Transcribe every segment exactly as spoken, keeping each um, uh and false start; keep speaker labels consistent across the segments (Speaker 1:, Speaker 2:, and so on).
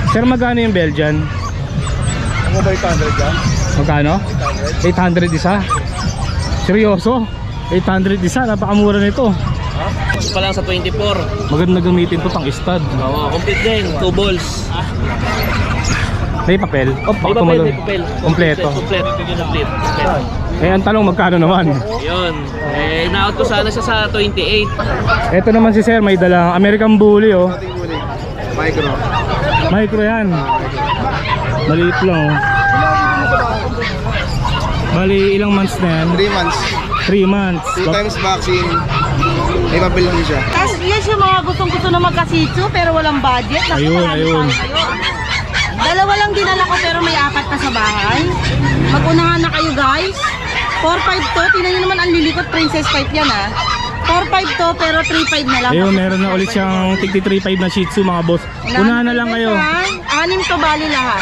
Speaker 1: Sir, magkano yung Belgian?
Speaker 2: Ano ba eight hundred yan?
Speaker 1: Magkano? eight hundred isa? Seryoso? eight hundred isa? Napakamura nito.
Speaker 3: Ito pa lang sa twenty-four.
Speaker 1: Maganda gamitin to pang stud.
Speaker 3: Oo, complete din. Two balls.
Speaker 1: May papel? O,
Speaker 3: May papel, may papel.
Speaker 1: Kompleto.
Speaker 3: Complete. Complete. Complete.
Speaker 1: Eh, ang tanong, magkano naman?
Speaker 3: Yun. Eh, na-out ko sana siya sa twenty-eight.
Speaker 1: Ito naman si Sir, may dalang American Bully, oh.
Speaker 2: Micro.
Speaker 1: Micro yan. Maliit lang, oh. Bali, ilang months na yan?
Speaker 2: three months.
Speaker 1: three months.
Speaker 2: two times vaccine. May papel din siya.
Speaker 4: Tapos yan yung mga gustong-gusto na magkasitsu pero walang budget. Kasi
Speaker 1: Ayun,
Speaker 4: marami
Speaker 1: ayun.
Speaker 4: tayo ngayon. Dalawa lang dinala ko pero may apat pa sa bahay. Mag-unahan na kayo guys. four five to. Tingnan nyo naman ang lilikot. Princess type yan ha. four five to pero three five na lang.
Speaker 1: Ayun, meron na ulit siyang tigti three five na Shih Tzu, mga boss. Unahan na lang kayo.
Speaker 4: Anim to bali lahat.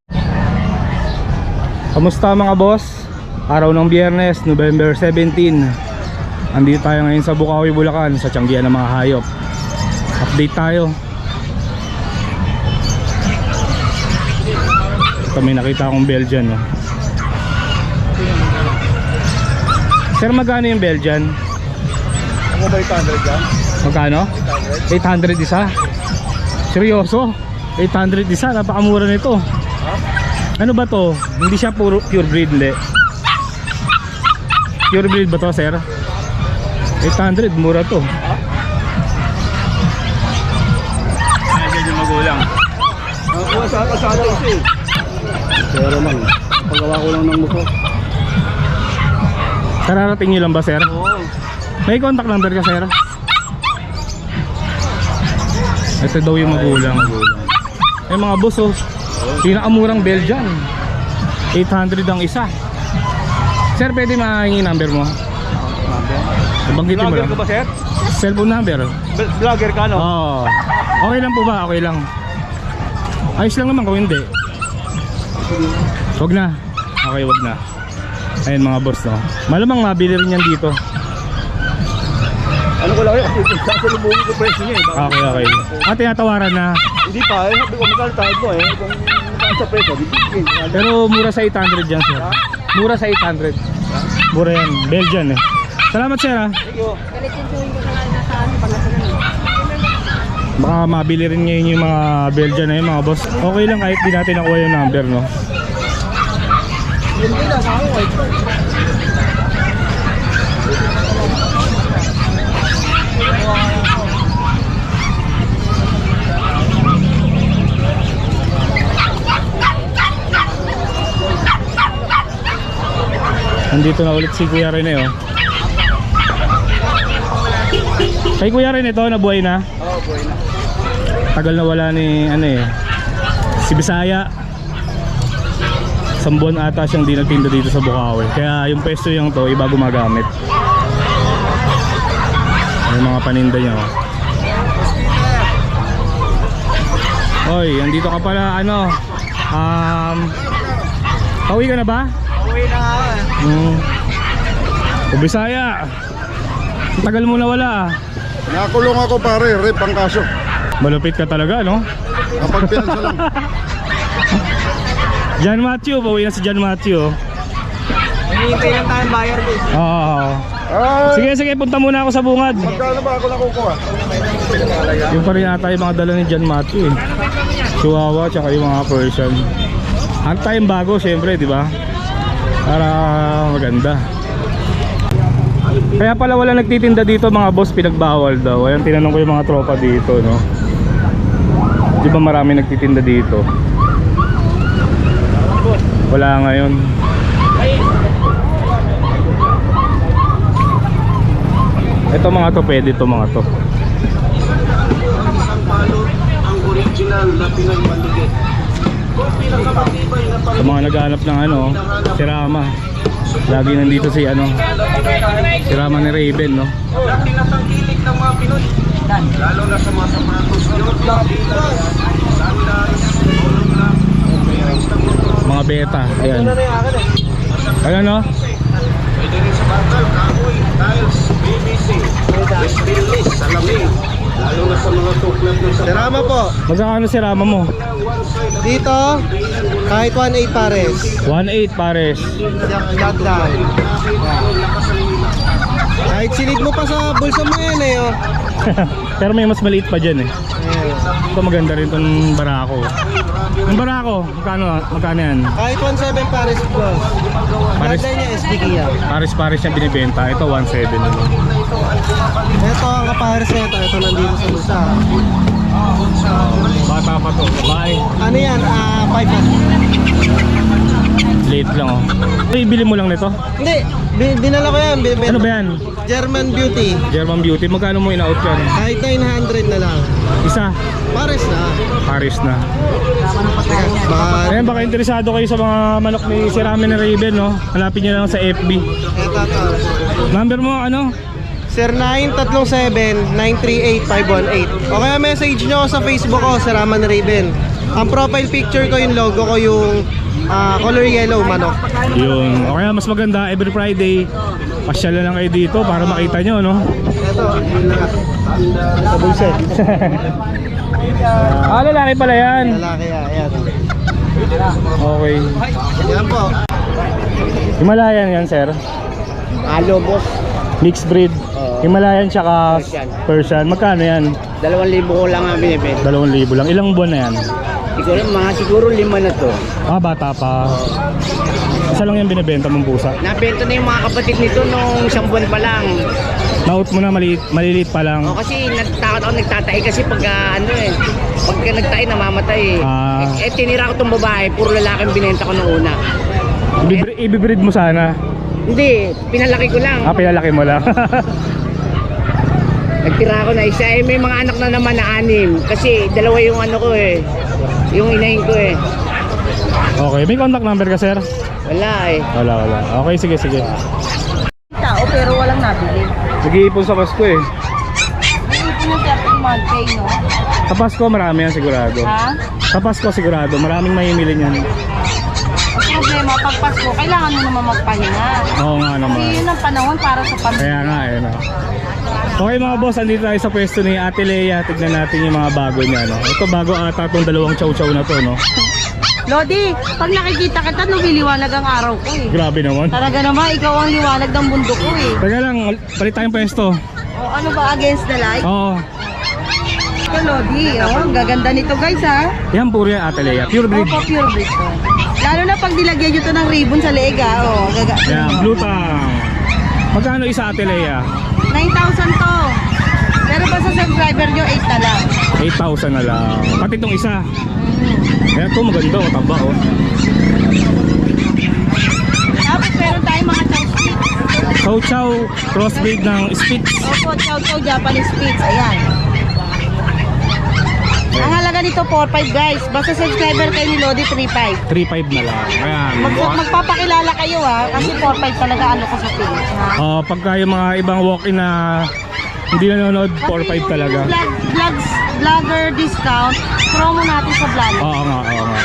Speaker 1: Kamusta mga boss? Araw ng Biyernes, November seventeen. Andito tayo ngayon sa Bukawi, Bulacan, sa Tianggian ng mga hayop. Update tayo. Ito, may nakita akong Belgian, no? Sir, magkano yung Belgian?
Speaker 2: Ano ba eight hundred yan?
Speaker 1: Magkano? eight hundred isa? Seryoso? eight hundred isa? Napakamura nito. Ano ba to? Hindi siya puro pure breed, hindi. Pure breed ba to, sir? eight hundred, mura to. Ayan yung magulang.
Speaker 2: Nakuha sa kasada ito eh. Pero lang, pagawa ko lang ng mukha.
Speaker 1: Kararating nyo lang ba, sir?
Speaker 2: Oo.
Speaker 1: May contact number ka, sir? Ito daw yung magulang. Eh mga boss, oh, pinakamurang Belgian, eight hundred ang isa. Sir, pwede mahingi number mo? Banggitin mo
Speaker 2: Vlogger
Speaker 1: lang.
Speaker 2: ka ba, sir?
Speaker 1: Cellphone number?
Speaker 2: B- Vlogger ka, no?
Speaker 1: Oo. Okay lang po ba? Okay lang. Ayos lang naman kung hindi. Wag na. Okay, wag na. Ayun mga boss, no? Malamang mabili rin yan dito.
Speaker 2: Ano ko lang yun? Kasi sasalubungin ko presyo niya eh. Baka-
Speaker 1: Okay, okay. Ah, tinatawaran na.
Speaker 2: Hindi pa eh. Sabi ko, magkano tayo mo eh. Kung magkano sa presyo, bibigyan.
Speaker 1: Pero mura sa eight hundred yan, sir. Mura sa eight hundred. Mura yan. Belgian eh. Salamat, sir, ha.
Speaker 2: Thank you.
Speaker 1: Baka mabili rin ngayon yung mga Belgian na yun, mga boss. Okay lang kahit di natin nakuha yung number, no? Nandito na ulit si Kuya Rene, oh. Kay Kuya Rene ito, nabuhay na?
Speaker 2: Oo, boy na.
Speaker 1: Tagal na wala ni ano eh, si Bisaya. Isang buwan ata siyang di nagtinda dito sa Bukawi. Kaya yung pwesto yung to, iba gumagamit. Yung mga paninda niya, oh. Oy, andito ka pala, ano, um, pauwi ka na ba?
Speaker 2: Uwi na nga eh.
Speaker 1: Hmm. O Bisaya, tagal mo na wala, ah.
Speaker 2: Nakulong ako pare, rep ang kaso.
Speaker 1: Malupit ka talaga, no?
Speaker 2: Kapag pinansa lang.
Speaker 1: John Matthew, pauwi na si John Matthew, oh.
Speaker 3: Hinihintay lang tayong buyer ko.
Speaker 1: Oo.
Speaker 2: Ay,
Speaker 1: Sige, sige, punta muna ako sa bungad.
Speaker 2: magkano ba ako nakukuha?
Speaker 1: Yung pa rin ata yung mga dala ni John Matthew, eh. Chihuahua, tsaka yung mga Persian. Ang tayong bago, syempre, di ba? Para maganda. Kaya pala wala nagtitinda dito, mga boss, pinagbawal daw. Ayan, tinanong ko yung mga tropa dito, no? Di ba marami nagtitinda dito? Wala ngayon. Ito mga to, pwede to mga to.
Speaker 3: Ang original na Pinoy Manduget.
Speaker 1: Sa mga naghahanap ng ano, si Rama. Lagi nandito si ano, si Rama ni Raven, no?
Speaker 3: Dati na tangkilik ng mga Pinoy. Lalo na sa mga sapatos.
Speaker 1: Mga beta, ayan. Ayan, no?
Speaker 3: Pwede rin sa bakal, kahoy, tiles, P V C, West Billis, salamin, Serama po.
Speaker 1: Magkano si Rama mo?
Speaker 3: Dito, kahit one eight pares.
Speaker 1: one eight pares.
Speaker 3: Shot down. Kahit silid mo pa sa bulsa mo yan eh. Oh.
Speaker 1: Pero may mas maliit pa dyan eh.
Speaker 3: Ayan.
Speaker 1: Ito maganda rin itong barako. Ang barako, magkano, magkano yan?
Speaker 3: Kahit one seven pares boss.
Speaker 1: Pares,
Speaker 3: Ganda niya S D K yan.
Speaker 1: pares-pares yung binibenta. Ito one seven.
Speaker 3: Ito ang kapares na ito. Ito nandito sa bulsa.
Speaker 1: Bata pa to. Bye.
Speaker 3: Ano yan? Ah, five at.
Speaker 1: Late lang oh. Ito, ibili mo lang nito?
Speaker 3: Hindi, bi- dinala ko yan. Bi-
Speaker 1: Ano ba yan?
Speaker 3: German Beauty.
Speaker 1: German Beauty. Magkano mo in-out yan?
Speaker 3: Kahit nine hundred na lang.
Speaker 1: Isa.
Speaker 3: Pares na.
Speaker 1: Paris na.
Speaker 3: Ba-
Speaker 1: Ayan, baka interesado kayo sa mga manok ni si Ramen Raven, no? Hanapin nyo lang sa F B.
Speaker 3: Ito to.
Speaker 1: Number mo, ano?
Speaker 3: Sir nine three seven, nine three eight, five one eight. O kaya message nyo ako sa Facebook ko, Sir Raman Raven. Ang profile picture ko, yung logo ko, yung ah, color yellow manok.
Speaker 1: Yun. O kaya mas maganda, every Friday, pasyal na lang kayo dito para makita nyo, no?
Speaker 3: Ito, yun lang. Sa bulset.
Speaker 1: Ah, lalaki pala yan.
Speaker 3: Lalaki yan, ayan.
Speaker 1: Okay.
Speaker 3: Yan po.
Speaker 1: Himalayan yan, sir.
Speaker 3: Alo, boss.
Speaker 1: Mixed breed. Himalayan tsaka
Speaker 3: Persian.
Speaker 1: Persian. Magkano yan?
Speaker 3: Dalawang libo ko lang ang binibenta.
Speaker 1: Dalawang libo lang. Ilang buwan na yan?
Speaker 3: Siguro, mga siguro lima na to.
Speaker 1: Ah, bata pa. Isa lang yung binibenta mong pusa.
Speaker 3: Nabenta na yung mga kapatid nito nung isang buwan pa lang.
Speaker 1: Naut mo na, maliit, maliliit pa lang.
Speaker 3: O kasi nagtakot ako nagtatay kasi pag ah, ano eh, pagka nagtay namamatay eh.
Speaker 1: Ah.
Speaker 3: eh, eh tinira ko tong babae, puro lalaki ang binenta ko nung una.
Speaker 1: Ibibri- Ibibreed mo sana.
Speaker 3: Hindi, pinalaki ko lang.
Speaker 1: Ah, pinalaki mo lang.
Speaker 3: Nagtira ko na isa eh, may mga anak na naman na anim. Kasi dalawa yung ano ko eh, yung inahin ko eh.
Speaker 1: Okay, may contact number ka, sir?
Speaker 3: Wala eh.
Speaker 1: Wala, wala. Okay, sige, sige.
Speaker 4: Tao pero walang nabili.
Speaker 1: Nag-iipon sa Pasko eh.
Speaker 4: May ipon yung thirteen month pay, no?
Speaker 1: Sa Pasko, marami yan sigurado.
Speaker 4: Ha?
Speaker 1: Sa Pasko, sigurado. Maraming mahimili niyan.
Speaker 4: Ang problema, pag Pasko, kailangan mo naman magpahinga.
Speaker 1: Oo nga
Speaker 4: Kasi
Speaker 1: naman.
Speaker 4: yun ang panahon para sa pamilya.
Speaker 1: Kaya nga, eh, no? Okay mga boss, andito tayo sa pwesto ni Ate Lea. Tignan natin yung mga bago niya, no? Ito bago ata itong dalawang chow-chow na to, no?
Speaker 4: Lodi, pag nakikita kita, lumiliwanag ang araw ko eh.
Speaker 1: Grabe naman.
Speaker 4: Talaga naman, ikaw ang liwanag ng mundo ko eh.
Speaker 1: Teka lang, palit tayong pwesto.
Speaker 4: O ano ba, against the light?
Speaker 1: Oo.
Speaker 4: Ito, Lodi, oh, ang gaganda nito guys ha.
Speaker 1: Yan, puro yan Ate Lea. Pure breed.
Speaker 4: Opo, pure breed to. Lalo na pag nilagyan nyo to ng ribbon sa leeg ha. Oh, gaga.
Speaker 1: Yan, blue tang. Magkano isa Ate Lea?
Speaker 4: nine thousand to. Pero pa sa subscriber nyo, eight na lang.
Speaker 1: eight thousand na lang. Pati itong isa. Kaya ito maganda, oh, taba oh.
Speaker 4: Tapos meron tayong mga chow spits.
Speaker 1: Chow Chow crossbreed ng Spitz.
Speaker 4: Opo, chow chow Japanese spits. Ayan. Ang halaga nito, four five guys. Basta subscriber kayo ni Lodi, three five.
Speaker 1: three five na lang. Ayan.
Speaker 4: Mag magpapakilala kayo ha. Kasi four five talaga ano ko sa page ha.
Speaker 1: Oh, pagka yung mga ibang walk-in na hindi nanonood, four five talaga.
Speaker 4: Vlog, vlogs, vlogger discount, promo natin sa vlog.
Speaker 1: Oo nga, oo nga.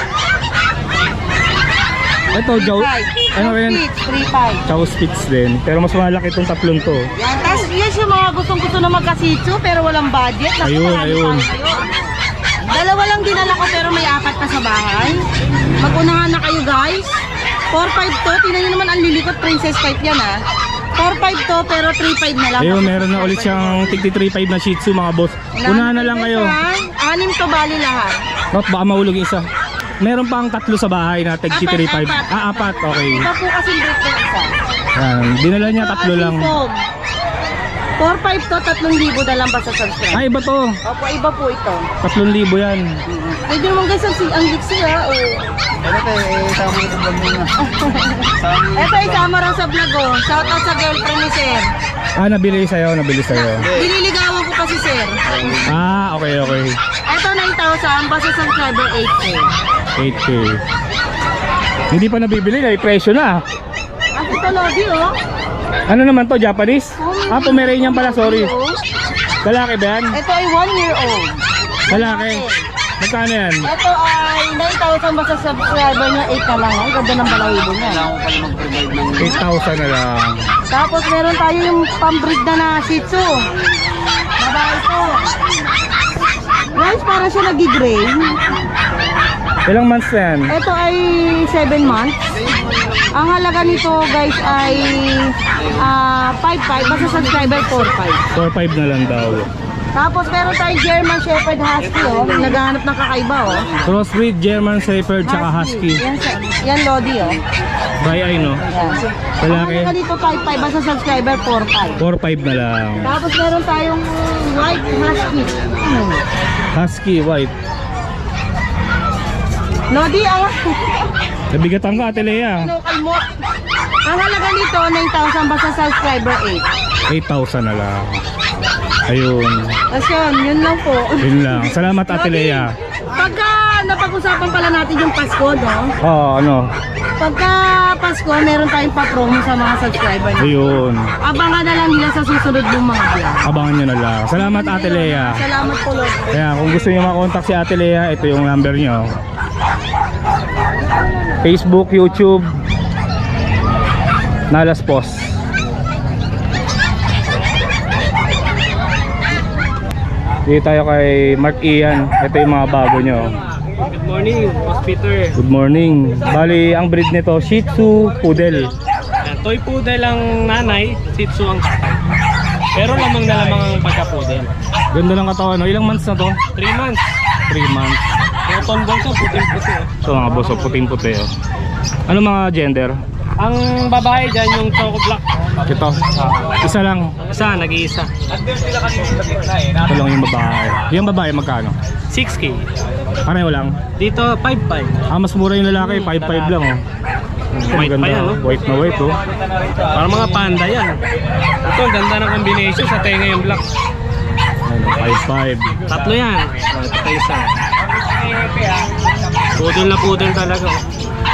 Speaker 1: Ito, Joe, ano rin?
Speaker 4: three five.
Speaker 1: Chow Spitz din. Pero mas malaki itong tatlong to.
Speaker 4: Yan, tapos yes, yung mga gustong gusto na magkasitso pero walang budget. Naku,
Speaker 1: Ayun,
Speaker 4: marami
Speaker 1: ayun.
Speaker 4: para kayo. Dalawa lang dinala ko pero may apat na sa bahay. Mag-unahan na kayo guys. four five to, tingnan nyo naman ang lilikot, princess type yan ha. four five to pero three five na lang.
Speaker 1: Ayun, meron na ulit siyang tigti three five na Shih Tzu mga boss. Unahan na lang kayo.
Speaker 4: Anim to bali lahat.
Speaker 1: Not baka mahulog yung isa. Meron pang tatlo sa bahay na tigti
Speaker 4: Apat,
Speaker 1: three five.
Speaker 4: apat.
Speaker 1: Ah, apat. Okay.
Speaker 4: Iba po kasi break ng isa.
Speaker 1: Yan. Dinala niya
Speaker 4: Ito,
Speaker 1: tatlo lang.
Speaker 4: asipog. four five to, tatlong libo na lang ba sa subscribe?
Speaker 1: Ay, iba to.
Speaker 4: Opo, iba po ito.
Speaker 1: Tatlong libo yan.
Speaker 4: Pwede naman guys, ang, ang giksi ha. Oh.
Speaker 3: Ano tayo, eh, tama ko sa muna.
Speaker 4: Ito, isama rin sa vlog oh. Shout out sa girlfriend ni Sir.
Speaker 1: Ah, nabili sa'yo, nabili sa'yo.
Speaker 4: Diniligawan ko pa si Sir.
Speaker 1: Ah, okay, okay.
Speaker 4: Ito, nine thousand, basta subscriber, eight K.
Speaker 1: eight K. Hindi pa nabibili, may presyo na.
Speaker 4: At ito, Lodi oh.
Speaker 1: Ano naman to, Japanese? Ah, Pomeranian pala, sorry.
Speaker 4: Oh.
Speaker 1: Lalaki ba yan?
Speaker 4: Ito ay one year old.
Speaker 1: Lalaki. Magkano yan?
Speaker 4: Ito ay nine thousand, basta subscriber niya, eight na lang. Ang ganda ng balahibo niya.
Speaker 1: eight thousand na lang.
Speaker 4: Tapos meron tayo yung pambreed na na Shih Tzu. Babae ito. Guys, para siya nag-gray.
Speaker 1: Ilang months na yan?
Speaker 4: Ito ay seven months. Ang halaga nito guys ay ah, five five. Basta subscriber four five.
Speaker 1: four five na lang daw.
Speaker 4: Tapos meron tayong German Shepherd Husky oh. Naghahanap ng kakaiba oh.
Speaker 1: Crossbreed, German Shepherd, tsaka Husky.
Speaker 4: Yan, yan Lodi oh.
Speaker 1: By eye, no?
Speaker 4: Yan. Ang
Speaker 1: Lalaki.
Speaker 4: halaga nito five five. Basta subscriber four five.
Speaker 1: four five na lang.
Speaker 4: Tapos meron tayong white husky. Hmm.
Speaker 1: Husky, white.
Speaker 4: Lodi ang
Speaker 1: Nabigatan ka, Ate Lea.
Speaker 4: Pinukal mo. Ang halaga nito nine thousand basta subscriber eight.
Speaker 1: eight thousand na lang. Ayun.
Speaker 4: Tapos yun, yun lang po.
Speaker 1: Yun lang. Salamat, Ate Lea.
Speaker 4: Pagka napag-usapan pala natin yung Pasko, no?
Speaker 1: Oo, ano?
Speaker 4: Pagka Pasko, meron tayong pa-promo sa mga subscriber natin.
Speaker 1: Ayun.
Speaker 4: Abangan na lang nila sa susunod ng mga vlog.
Speaker 1: Abangan nyo na lang. Salamat, Ate Lea.
Speaker 4: Salamat po, Lord.
Speaker 1: Kaya kung gusto nyo makontak si Ate Lea, ito yung number nyo. Facebook, YouTube, Nalas Post. Dito tayo kay Mark Ian. Ito yung mga bago nyo.
Speaker 5: Good morning, Boss Peter.
Speaker 1: Good morning. Bali, ang breed nito, Shih Tzu Poodle.
Speaker 5: Yan, toy poodle ang nanay, Shih Tzu ang tatay. Pero lamang na lamang ang pagka-poodle.
Speaker 1: Ganda ng katawan, no? Ilang months na to?
Speaker 5: three months.
Speaker 1: three months.
Speaker 5: Yung tonbong ko, puting-puti. oh.
Speaker 1: So mga boss, oh, puting-puti. Oh. Ano mga gender?
Speaker 5: Ang babae dyan, yung choco black.
Speaker 1: Ito. Isa lang.
Speaker 5: Isa, nag-iisa.
Speaker 1: Ito lang yung babae. Yung babae magkano?
Speaker 5: six K.
Speaker 1: Pareho lang.
Speaker 5: Dito, five five.
Speaker 1: Ah, mas mura yung lalaki. five five lang, oh.
Speaker 5: White pa yan, oh.
Speaker 1: White na white, oh.
Speaker 5: Parang mga panda yan. Ito, ang ganda ng combination sa tenga yung black.
Speaker 1: five five.
Speaker 5: Tatlo yan. Oh, ito pa isa. Poodle na poodle talaga. oh.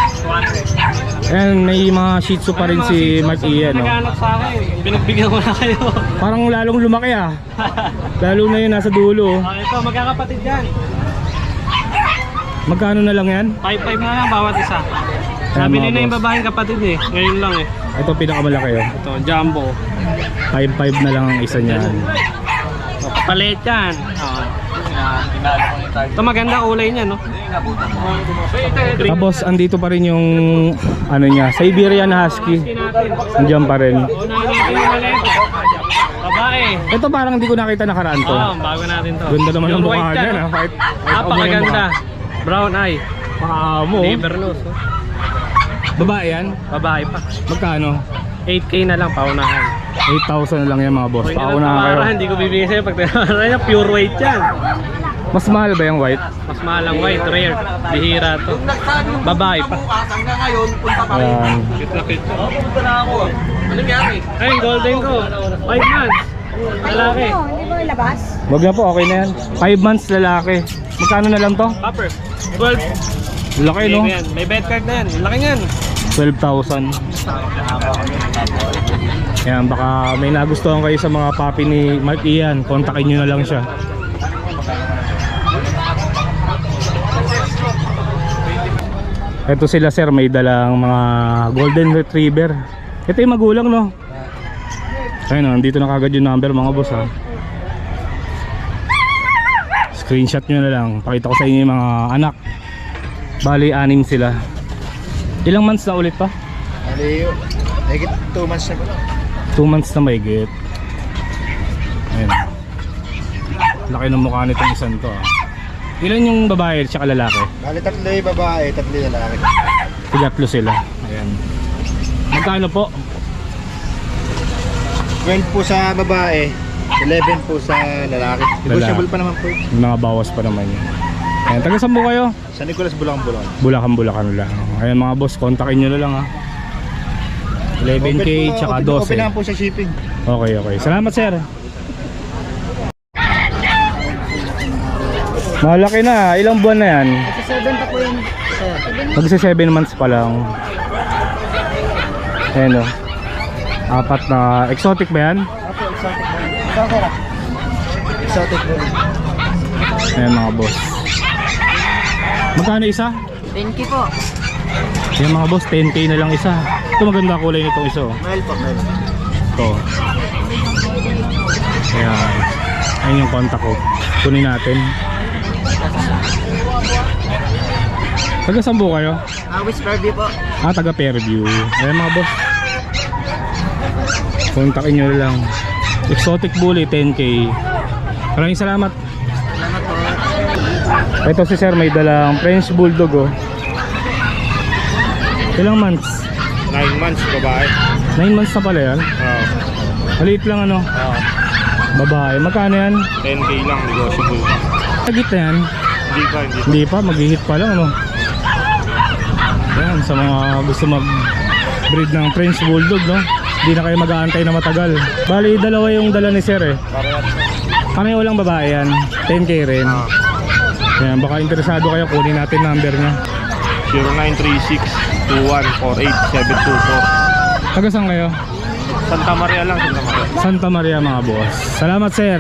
Speaker 1: Ayan, may mga Shih Tzu pa rin si Mark Ian, no?
Speaker 5: Naghanap sa akin. Pinagbigyan ko na kayo.
Speaker 1: Parang lalong lumaki, ah. Lalo na yun, nasa dulo, oh.
Speaker 5: Ah, ito, magkakapatid yan.
Speaker 1: Magkano na lang yan?
Speaker 5: five five na lang bawat isa.
Speaker 1: Ayan,
Speaker 5: Sabi
Speaker 1: mga
Speaker 5: nila yung
Speaker 1: boss.
Speaker 5: babaeng kapatid eh. Ngayon lang eh.
Speaker 1: Ito pinakamalaki, oh.
Speaker 5: Ito, jumbo.
Speaker 1: five five na lang ang isa niyan.
Speaker 5: Palit yan. Oo. Ito maganda ulay niya, no?
Speaker 1: Tapos andito pa rin yung ano niya, Siberian Husky. Nandiyan pa rin.
Speaker 5: Unahin natin yung malit. Babae.
Speaker 1: Ito parang hindi ko nakita nakaraan to.
Speaker 5: Oo, bago natin to.
Speaker 1: Ganda naman ang
Speaker 5: Pure
Speaker 1: mukha
Speaker 5: white
Speaker 1: niya,
Speaker 5: yan,
Speaker 1: ha?
Speaker 5: oh.
Speaker 1: Kahit
Speaker 5: Napakaganda. Brown eye.
Speaker 1: Pakamo.
Speaker 5: Liver nose. oh.
Speaker 1: Babae yan?
Speaker 5: Babae pa.
Speaker 1: Magkano?
Speaker 5: eight K na lang paunahan.
Speaker 1: eight thousand na lang yan mga boss.
Speaker 5: Kung hindi
Speaker 1: Pauna
Speaker 5: lang
Speaker 1: kayo.
Speaker 5: tamaran, hindi ko bibigyan sa'yo. Pag tamaran niya, pure white yan.
Speaker 1: Mas mahal ba yung white?
Speaker 5: Mas mahal ang white, rare. Bihira to. Babae pa.
Speaker 1: Ayan.
Speaker 5: Cute na cute. Ay, golden ko. five months. Lalaki.
Speaker 4: Hindi ba ilabas?
Speaker 1: Wag na po, okay na yan. five months lalaki. Magkano na lang to?
Speaker 5: Upper. twelve.
Speaker 1: Laki, no?
Speaker 5: Yan. May bed card na yan. Laki yan.
Speaker 1: twelve thousand. Ayan, baka may nagustuhan kayo sa mga puppy ni Mark Ian. Kontakin nyo na lang siya. Ito sila sir, may dalang mga golden retriever. Ito yung magulang, no? Ayun, oh, nandito na kagad yung number mga boss, ha. Screenshot nyo na lang. Pakita ko sa inyo yung mga anak. Bali, anim sila. Ilang months na ulit pa?
Speaker 2: Bali, higit two months na po.
Speaker 1: two months na may get. Ayun. Laki ng mukha nitong isang to, ah. Ilan yung babae at lalaki?
Speaker 2: Bali, tatlo yung babae, tatlo yung lalaki.
Speaker 1: Tigatlo sila. Ayan. Magkano po?
Speaker 2: twelve po sa babae, eleven po sa lalaki. Negotiable pa naman po.
Speaker 1: May mga bawas pa naman yun. Ayan. Taga saan po kayo?
Speaker 2: Sa Nicolas, Bulacan-Bulacan.
Speaker 1: Bulacan-Bulacan lang. Ayan mga boss, kontakin nyo na lang, ha. eleven K
Speaker 2: Open po,
Speaker 1: tsaka
Speaker 2: open-
Speaker 1: twelve.
Speaker 2: Open lang po sa shipping.
Speaker 1: Okay, okay. Salamat sir. Malaki na. Ilang buwan na yan?
Speaker 4: Sa seven pa po yun.
Speaker 1: Magsa seven months pa lang. Ayan, o. Apat na. Exotic ba yan?
Speaker 2: Opo, exotic po. Ikaw, sir. Exotic po.
Speaker 1: Ayan mga boss. Magkano isa?
Speaker 4: ten K po.
Speaker 1: Ayan mga boss, ten K na lang isa. Ito maganda kulay nitong isa, oh.
Speaker 2: Male po, male.
Speaker 1: Ito. Ayan. Ayan yung contact ko. Kunin natin. Taga saan po kayo?
Speaker 3: Ah, West Fairview po.
Speaker 1: Ah, taga Fairview. Ayan mga boss. Kontakin nyo lang. Exotic Bully, ten K. Maraming salamat.
Speaker 3: Salamat po.
Speaker 1: Ito si sir, may dalang French Bulldog oh. Ilang months?
Speaker 2: nine months babae.
Speaker 1: nine months na pala yan.
Speaker 2: Oo.
Speaker 1: Maliit lang ano.
Speaker 2: Oo.
Speaker 1: Babae. Magkano yan?
Speaker 2: ten K lang, negotiable pa.
Speaker 1: Tagit na yan.
Speaker 2: Hindi pa, hindi pa.
Speaker 1: Hindi pa, mag-hit pa lang ano. Yan, sa mga gusto mag-breed ng French Bulldog no. Hindi na kayo mag-aantay na matagal. Bali, dalawa yung dala ni sir eh.
Speaker 2: Parehas.
Speaker 1: Pareho lang babae yan. ten K rin.
Speaker 2: Ah.
Speaker 1: Yan, baka interesado kayo, kunin natin number niya.
Speaker 2: zero nine three six two one four eight seven two four.
Speaker 1: Taga saan kayo?
Speaker 2: Santa Maria lang, Santa Maria.
Speaker 1: Santa Maria mga boss. Salamat sir.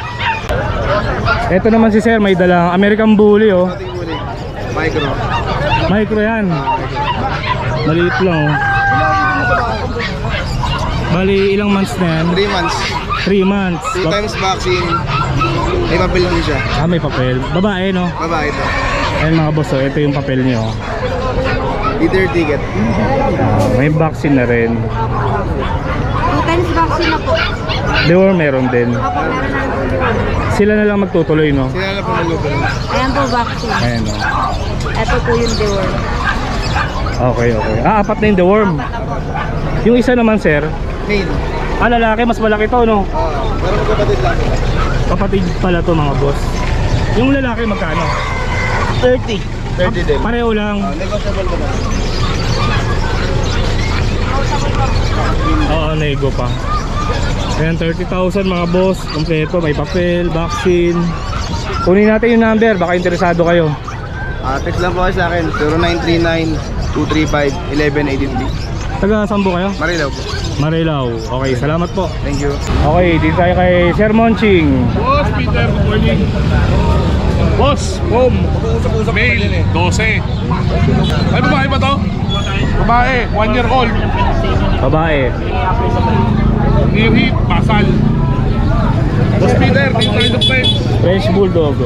Speaker 1: Ito naman si sir, may dalang American Bully oh.
Speaker 2: Micro.
Speaker 1: Micro yan. Maliit lang oh. Bali, ilang months na yan?
Speaker 6: three months.
Speaker 1: three months.
Speaker 6: Two
Speaker 1: Ba-
Speaker 6: times vaccine. May papel din siya.
Speaker 1: Ah, may papel. Babae no?
Speaker 6: Babae ito.
Speaker 1: Ayan mga boss oh, ito yung papel niyo oh.
Speaker 6: Leader ticket.
Speaker 1: Ah, may vaccine na rin.
Speaker 4: Two times vaccine na po.
Speaker 1: Deworm meron din.
Speaker 4: Opo, meron na po deworm.
Speaker 1: Sila na lang magtutuloy no?
Speaker 6: Sila na po maluto.
Speaker 4: Ayan po vaccine.
Speaker 1: Ayan oh.
Speaker 4: Ito po yung deworm.
Speaker 1: Okay, okay. Ah, apat na yung deworm. Yung isa naman sir,
Speaker 6: Main.
Speaker 1: ah lalaki, mas malaki to no?
Speaker 6: Oh, pero magkapatid lang.
Speaker 1: Kapatid pala to mga boss. Yung lalaki magkano?
Speaker 6: thirty. thirty din.
Speaker 1: Pareho lang.
Speaker 6: Oh, negotiable ko na.
Speaker 1: Oo, nego pa. Ayan, thirty thousand mga boss. Kompleto, may papel, vaccine. Kunin natin yung number, baka interesado kayo.
Speaker 6: Ah, text lang po kayo sa akin. zero nine three nine two three five one one eight three.
Speaker 1: Taga Sambo kayo?
Speaker 6: Marilaw po.
Speaker 1: Marilao. Okay, salamat po.
Speaker 6: Thank you.
Speaker 1: Okay, dito tayo kay Sir Monching.
Speaker 2: Boss, Peter, good morning. Boss, home. Mail, twelve. Ay, babae ba to? Babae, one year old.
Speaker 1: Babae.
Speaker 2: Near heat, basal. Boss Peter, dito tayo ng pet.
Speaker 1: French Bulldog.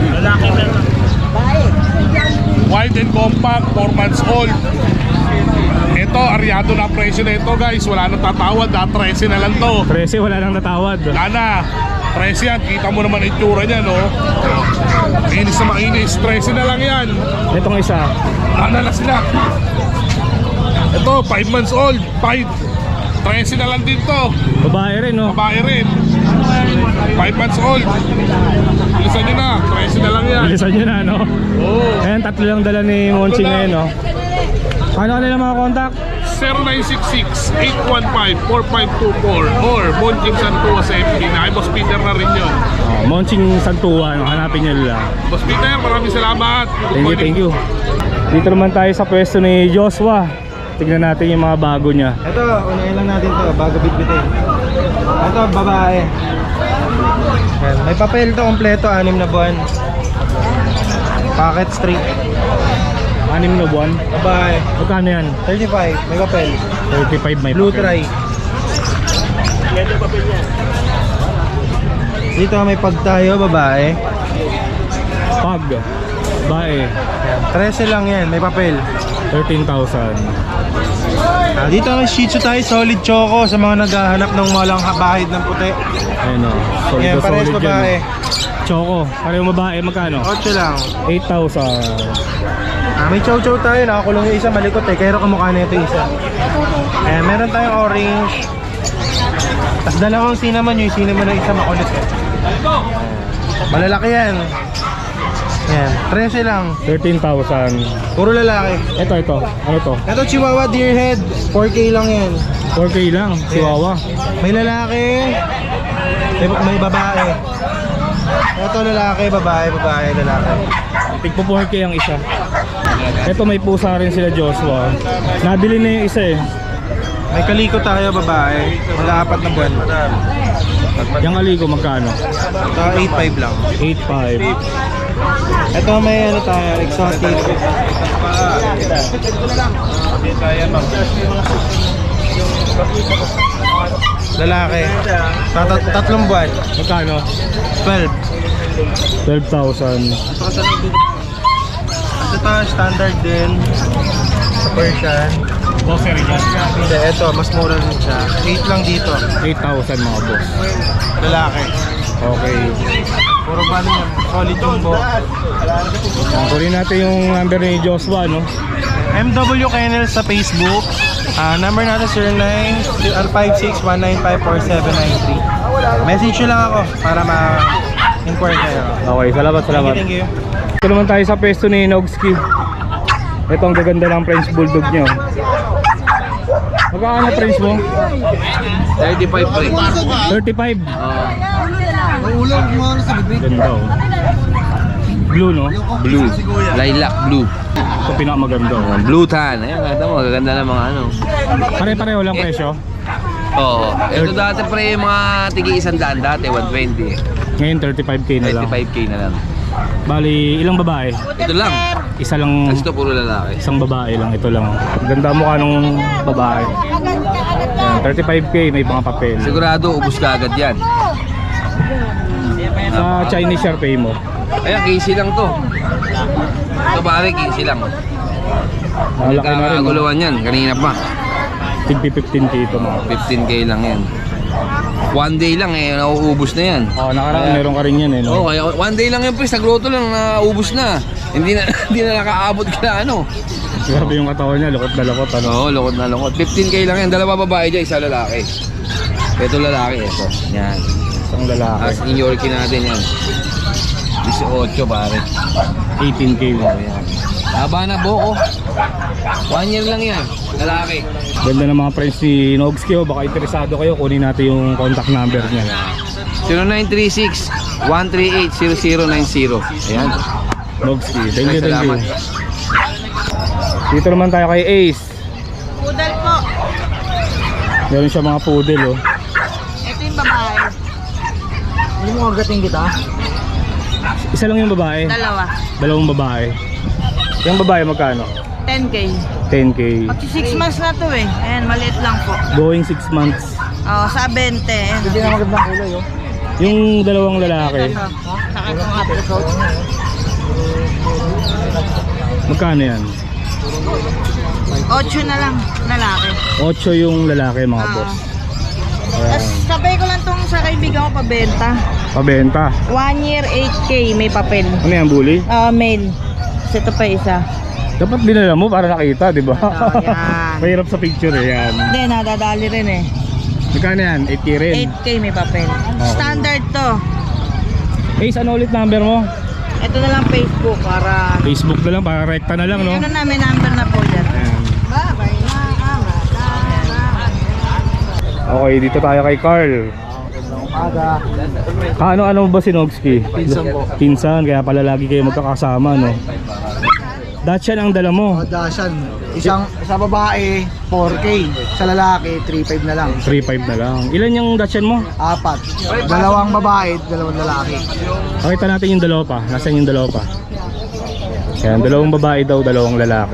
Speaker 2: Wide and compact, four months old. Ito, aryado na ang presyo na ito guys. Wala nang tatawad, ah, thirteen na lang to.
Speaker 1: trese, wala nang natawad.
Speaker 2: Wala na, thirteen yan. Kita mo naman ang itsura niya, no? Mainis na mainis, thirteen na lang yan.
Speaker 1: Itong isa.
Speaker 2: Wala na sila. Ito, five months old, five. thirteen na lang din to.
Speaker 1: Babae rin no?
Speaker 2: Babae rin. five months old. Bilisan nyo na, thirteen na lang yan.
Speaker 1: Bilisan nyo na no?
Speaker 2: Oo.
Speaker 1: Ayan, tatlo lang dala ni Monching ngayon no? Paano kanila mga contact?
Speaker 2: zero nine six six eight one five four five two four or Monching Santua sa F B na. Ay, Boss Peter na rin yun.
Speaker 1: Oh, Monching Santua, no? Hanapin nyo lang.
Speaker 2: Boss Peter, maraming salamat.
Speaker 1: Thank you, thank you. Dito naman tayo sa pwesto ni Joshua. Tignan natin yung mga bago niya.
Speaker 3: Ito, unahin lang natin to bago bitbitin. Ito, babae. Ayan, may papel to kompleto, anim na buwan. Packet straight.
Speaker 1: Anim na buwan.
Speaker 3: Babae.
Speaker 1: Magkano yan?
Speaker 3: thirty-five, may papel.
Speaker 1: thirty-five may
Speaker 3: Blue
Speaker 1: papel.
Speaker 3: try. Dito may pag tayo, babae.
Speaker 1: Pag. Bae.
Speaker 3: thirteen lang yan, may papel.
Speaker 1: thirteen thousand.
Speaker 3: Ah, dito may Shih Tzu tayo, solid choco sa mga naghahanap ng walang bahid ng puti.
Speaker 1: Ayun o. Solid
Speaker 3: Yan,
Speaker 1: na
Speaker 3: parehas
Speaker 1: solid
Speaker 3: babae.
Speaker 1: yan. Choco. Pareho babae. Magkano?
Speaker 3: eight lang.
Speaker 1: eight thousand.
Speaker 3: Ah, may chow chow tayo, nakakulong yung isa, malikot eh. Kaya kamukha na ito yung isa. Eh, meron tayong orange. Tapos dalawang cinnamon, yung cinnamon na isa makulit eh. Malalaki yan. Yan, thirteen lang.
Speaker 1: thirteen thousand.
Speaker 3: Puro lalaki.
Speaker 1: Ito, ito. Ano to?
Speaker 3: Ito Chihuahua Deer Head, four K lang yan.
Speaker 1: four K lang. Chihuahua.
Speaker 3: May lalaki, may, may babae. Ito lalaki, babae, babae, lalaki.
Speaker 1: Tigpo four K ang isa. Ito may pusa rin sila Joshua. Nabili na yung isa eh.
Speaker 3: May kaliko tayo, babae. Mag-aapat na buwan.
Speaker 1: Yung aligo magkano?
Speaker 3: Ito, eight five lang.
Speaker 1: eight five.
Speaker 3: Ito may ano tayo, exotic. Lalaki. Tat tatlong buwan.
Speaker 1: Magkano?
Speaker 3: twelve.
Speaker 1: twelve thousand.
Speaker 3: Ito tayo, standard din. Sa Persian.
Speaker 1: Boss, rin yan.
Speaker 3: Hindi, ito, mas mura rin siya. eight lang dito.
Speaker 1: eight thousand mga boss.
Speaker 3: Lalaki.
Speaker 1: Okay.
Speaker 3: Puro ba yan? Solid jumbo.
Speaker 1: Kunin natin yung number ni Joshua, no?
Speaker 3: M W Kennel sa Facebook. Ah, number natin zero nine five six one nine five four seven nine three. Message nyo lang ako para ma-inquire kayo.
Speaker 1: Okay, salamat, salamat.
Speaker 3: Thank you, thank you.
Speaker 1: Ito naman tayo sa pwesto ni Nogski. Ito ang gaganda ng French Bulldog nyo. Magkano French mo?
Speaker 6: thirty-five pre.
Speaker 1: thirty-five. Ganda oh. Blue, no?
Speaker 6: Blue. Lilac blue.
Speaker 1: Ito pinakamaganda oh.
Speaker 6: Blue tan. Ayan, kata mo, gaganda ng mga ano.
Speaker 1: Pare-pareho lang presyo.
Speaker 6: Oo. Ito dati pre, mga tigi isang daan dati, one twenty.
Speaker 1: Ngayon thirty-five K na lang.
Speaker 6: thirty-five K na lang.
Speaker 1: Bali, ilang babae?
Speaker 6: Ito lang.
Speaker 1: Isa lang,
Speaker 6: Kasi ito puro lalaki.
Speaker 1: isang babae lang. Ito lang. Ganda mukha nung babae. Ayan, thirty-five K, may mga papel.
Speaker 6: Sigurado, ubus ka agad yan.
Speaker 1: Sa Chinese Sharpei mo.
Speaker 6: Ayan, quince lang to. Ito pare, quince lang.
Speaker 1: Malaki na rin. no?
Speaker 6: Kakaguluhan yan, kanina pa.
Speaker 1: Tigpi fifteen K ito mga.
Speaker 6: fifteen K lang yan. One day lang eh, nauubos na yan.
Speaker 1: Oh, nakaraan meron ka rin yan eh,
Speaker 6: Oo,
Speaker 1: no?
Speaker 6: kaya one day lang yan pre, sa grotto lang nauubos na. Hindi na hindi na nakaabot ka ano.
Speaker 1: Grabe yung katawan niya, lukot na lukot, ano?
Speaker 6: Oo, lungkot na lungkot. fifteen K lang yan, dalawa babae dyan, isa lalaki. Ito lalaki, ito. Yan.
Speaker 1: Isang lalaki.
Speaker 6: As in Yorkie natin yan. eighteen pare.
Speaker 1: eighteen K mo.
Speaker 6: Ayan. Haba na buko. One year lang yan, lalaki.
Speaker 1: Ganda ng mga friends ni Nogski, oh. Baka interesado kayo, kunin natin yung contact number niya.
Speaker 6: zero nine three six one three eight zero zero nine zero. Ayan.
Speaker 1: Nogski, thank you, thank you.
Speaker 6: Salamat.
Speaker 1: Dito naman tayo kay Ace.
Speaker 4: Poodle po.
Speaker 1: Meron siya mga poodle, oh.
Speaker 4: Ito yung babae.
Speaker 3: Hindi mo agating kita?
Speaker 1: Isa lang yung babae.
Speaker 4: Dalawa.
Speaker 1: Dalawang babae. Yung babae magkano?
Speaker 4: ten K.
Speaker 1: ten K.
Speaker 4: Pag six months na to eh. Ayan, maliit lang po.
Speaker 1: Going six months.
Speaker 4: Oh, sa twenty. Ayan.
Speaker 3: Hindi na magandang kulay, oh.
Speaker 1: Yung dalawang lalaki,
Speaker 4: Ito. Saka itong apricot.
Speaker 1: magkano yan?
Speaker 4: Ocho na lang, lalaki.
Speaker 1: Ocho yung lalaki, mga
Speaker 4: Ah.
Speaker 1: boss.
Speaker 4: Tapos sabay ko lang tong sa kaibigan ko pabenta.
Speaker 1: Pabenta.
Speaker 4: One year, eight K, may papel.
Speaker 1: Ano yan, bully?
Speaker 4: Ah, male. Tapos ito pa isa.
Speaker 1: Dapat dinala mo para nakita, di ba?
Speaker 4: Ito, yan.
Speaker 1: Mahirap sa picture eh, yan.
Speaker 4: Hindi, nadadali rin eh.
Speaker 1: Magkano yan? eight K rin.
Speaker 4: eight K may papel. Standard to.
Speaker 1: Ace, ano ulit number mo?
Speaker 4: Ito na lang Facebook para...
Speaker 1: Facebook na lang, para rekta na lang, no?
Speaker 4: Ano na, may number na po dyan.
Speaker 1: Ayan. Okay, dito tayo kay Carl. Ano-ano ba si Nogski?
Speaker 3: Pinsan po.
Speaker 1: Pinsan, kaya pala lagi kayo magkakasama, no? Dacian ang dala mo.
Speaker 3: Dashan. Isang sa babae, four K. Sa lalaki, three five na lang.
Speaker 1: three five na lang. Ilan yung Dacian mo?
Speaker 3: Apat. Dalawang babae, dalawang lalaki.
Speaker 1: Pakita natin yung dalawa pa. Nasaan yung dalawa pa? Yan, dalawang babae daw, dalawang lalaki.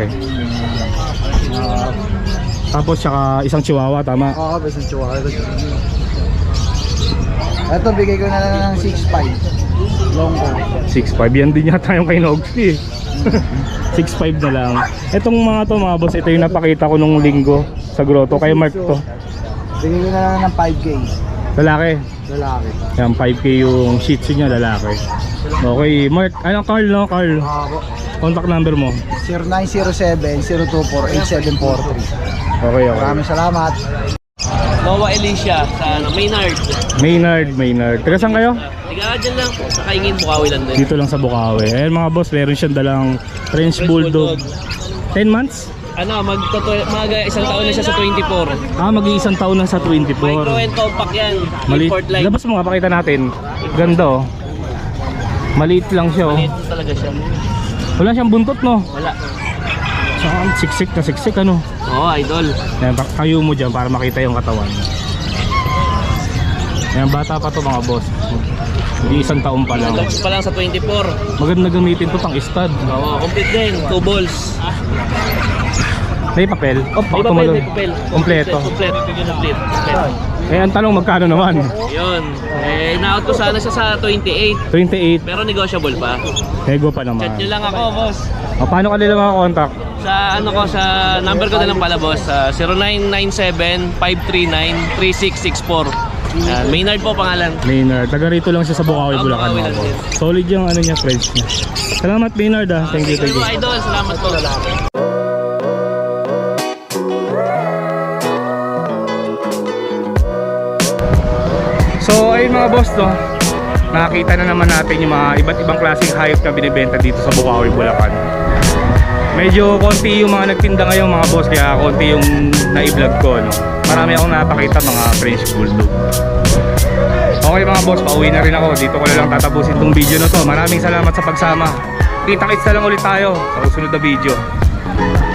Speaker 1: Tapos saka isang chihuahua, tama?
Speaker 3: Oo, basta chihuahua. Ito, bigay ko na lang ng six five. Long ko.
Speaker 1: six five. Yan din yata yung kay Nogski. six five na lang. Etong mga to mga boss, ito yung napakita ko nung linggo sa grotto. Kay Mark to.
Speaker 3: Bigay ko na lang ng five K.
Speaker 1: Lalaki.
Speaker 3: Lalaki.
Speaker 1: Yan, five K yung shih tzu niya, lalaki. Okay, Mark. Ano, Carl, no? Carl.
Speaker 3: Ako.
Speaker 1: Contact number mo.
Speaker 3: zero nine zero seven zero two four eight seven four three.
Speaker 1: Okay, okay.
Speaker 3: Maraming salamat.
Speaker 5: Noah Alicia sa ano, Maynard.
Speaker 1: Maynard, Maynard. Taga saan kayo?
Speaker 5: Tiga dyan lang sa Kaingin, Bukawi lang din.
Speaker 1: Dito lang sa Bukawi. Ayan mga boss, meron siyang dalang French Bulldog. ten months?
Speaker 5: Ano, mag, mag isang taon na siya sa twenty-four.
Speaker 1: Ah, mag-iisang taon na sa twenty-four.
Speaker 5: Micro and compact yan.
Speaker 1: Maliit.
Speaker 5: Import line.
Speaker 1: Labas mo nga, pakita natin. Ganda oh. Maliit lang siya oh.
Speaker 5: Maliit talaga siya.
Speaker 1: Wala siyang buntot no?
Speaker 5: Wala.
Speaker 1: Saka ang siksik na siksik ano.
Speaker 5: Oo, oh, idol.
Speaker 1: Ayan, pa- kayo mo dyan para makita yung katawan. Ayan, bata pa to mga boss. Hindi isang taon pa lang.
Speaker 5: Launch pa lang sa twenty-four.
Speaker 1: Maganda gamitin to pang stud.
Speaker 5: Oo, complete din. Two balls.
Speaker 1: May papel? Oh,
Speaker 5: May papel, may papel.
Speaker 1: Kompleto.
Speaker 5: Complete. Complete. Complete.
Speaker 1: Eh, ang tanong, magkano naman?
Speaker 5: Yun. Eh, na-out ko sana siya sa twenty-eight.
Speaker 1: twenty-eight.
Speaker 5: Pero negotiable pa.
Speaker 1: Nego pa naman.
Speaker 5: Chat nyo lang ako, boss.
Speaker 1: O, paano ka nila mga contact?
Speaker 5: Sa ano ko, sa number ko na lang pala, boss. sa zero nine nine seven, five three nine, three six six four. Yan, Maynard po pangalan.
Speaker 1: Maynard. Taga rito lang siya sa Bukawi,
Speaker 5: Ah,
Speaker 1: Bulacan.
Speaker 5: Bukawi
Speaker 1: mga
Speaker 5: lang
Speaker 1: boss.
Speaker 5: din.
Speaker 1: Solid yung ano niya, friends niya. Salamat Maynard ah. Thank you, thank you.
Speaker 5: Idol, salamat po.
Speaker 1: So ayun mga boss, no, nakakita na naman natin yung mga iba't ibang klaseng hayop na binibenta dito sa Bukawi, Bulacan. Medyo konti yung mga nagtinda ngayon mga boss, kaya konti yung na-vlog ko, no. Marami akong napakita mga French Bulldog. Okay mga boss, pauwi na rin ako. Dito ko na lang tatapusin tong video na to. Maraming salamat sa pagsama. Kita-kits na lang ulit tayo sa susunod na video.